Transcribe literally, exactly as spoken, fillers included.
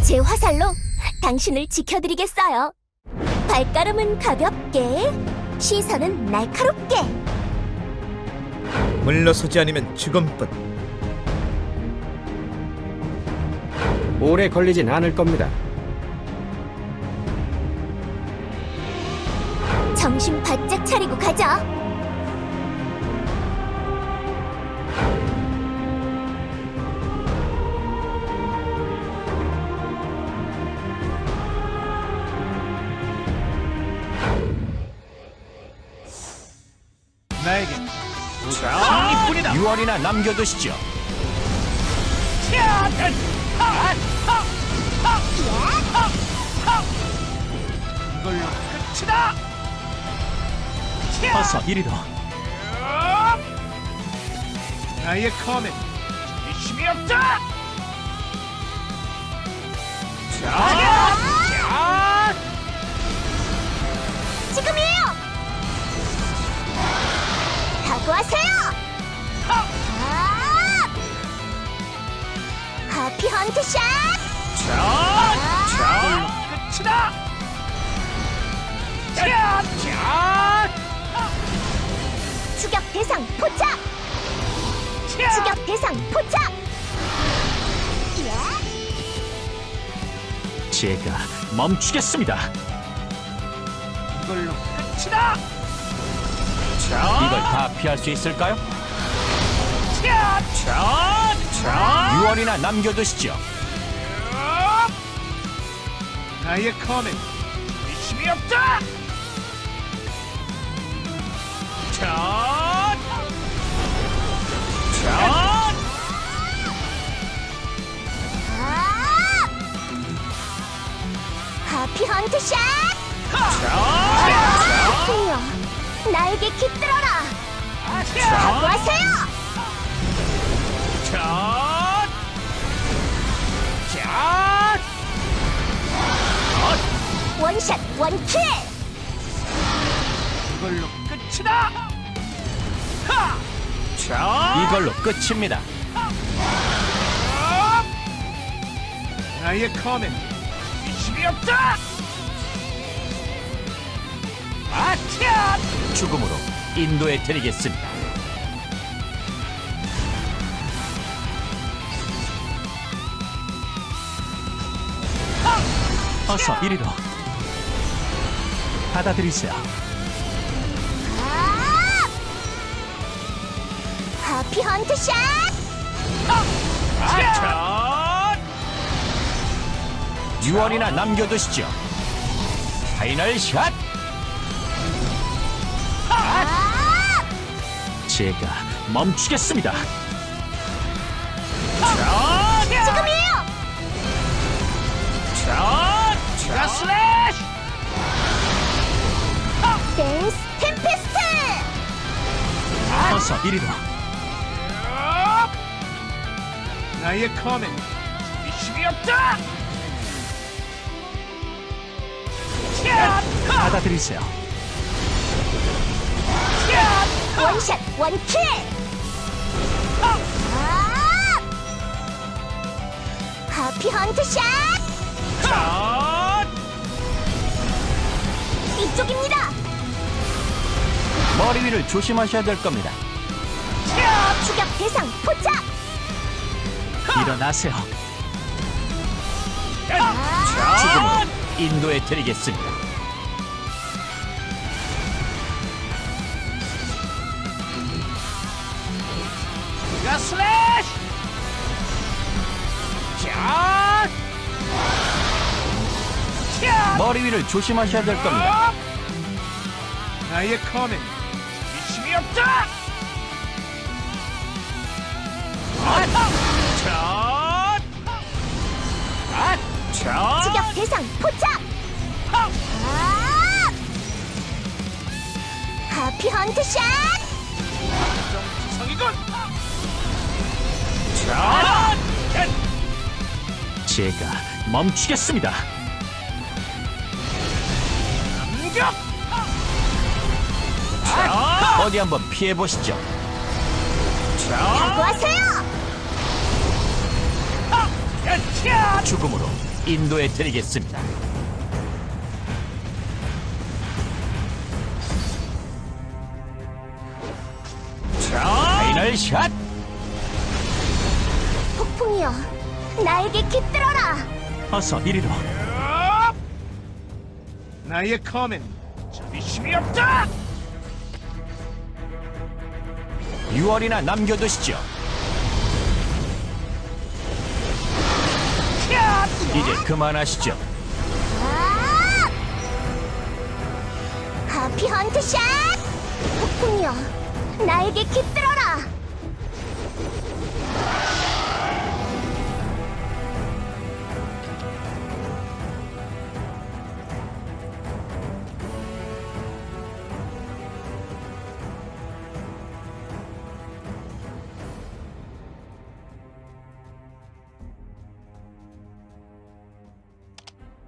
제 화살로 당신을 지켜드리겠어요. 발걸음은 가볍게, 시선은 날카롭게. 물러서지 않으면 죽음뿐. 오래 걸리진 않을 겁니다. 정신 바짝 차리고 가자. 나에게 승리뿐이다. 유 월이나 남겨두시죠. 이걸로 끝이다. 어서 이리로. 나의 커맨 의심이 없다. 자, 지금이에요. 각오하세요. 아! 하피 헌트 샷. 이걸로 끝이다. 자, 자, 추격 대상 포착. 추격 대상 포착. 예? 제가 멈추겠습니다. 이걸로 끝이다. 자, 이걸 다 피할 수 있을까요? 자, 자, 자. 유 월이나 남겨두시죠. 나의 커맨 의심이 없다. 자, 자, 아! 하피 헌트 샷. 자, 하세요. 나에게 깃들어라. 자, 각오하세요. 자, 자, 원샷 원킬. 이걸로 끝이다. 하! 자, 이걸로 끝입니다. 나의 커맨 의심이 없다. 아차! 죽음으로 인도해 드리겠습니다. 어서 이리로. 받아들이세요. 아! 하피 헌트 샷. 아차! 유 월이나 남겨두시죠. 파이널 샷. 아! 제가 멈추겠습니다. 지금이에요. 자, 자, 슬래시! 댄스 템페스트. 어서 이리로. 나의 커맨 의심이 없다. 받아들이세요. 원샷 원킬. 아! 하피 헌트 샷. 자, 이쪽입니다. 머리 위를 조심하셔야 될 겁니다. 추격 대상 포착. 일어나세요. 아! 죽음으로 인도해 드리겠습니다. 자, 슬래시! 자, 자, 머리 위를 조심하셔야 될 겁니다. 나의 커맨 의심이 없다. 자, 자, 추격 대상 포착. 아! 하피 헌트 샷. 성이군. 자, 제가 멈추겠습니다. 공격. 어디 한번 피해 보시죠. 자, 각오하세요. 야! 죽음으로 인도해 드리겠습니다. 자! 파이널 샷. 폭풍이여, 나에게 깃들어라. 어서 이리로. 야! 나의 검엔 자비심이 없다. 유월이나 남겨두시죠. 야! 이제 그만하시죠. 아! 하피 헌트 샷! 폭풍이여, 나에게 깃들어라.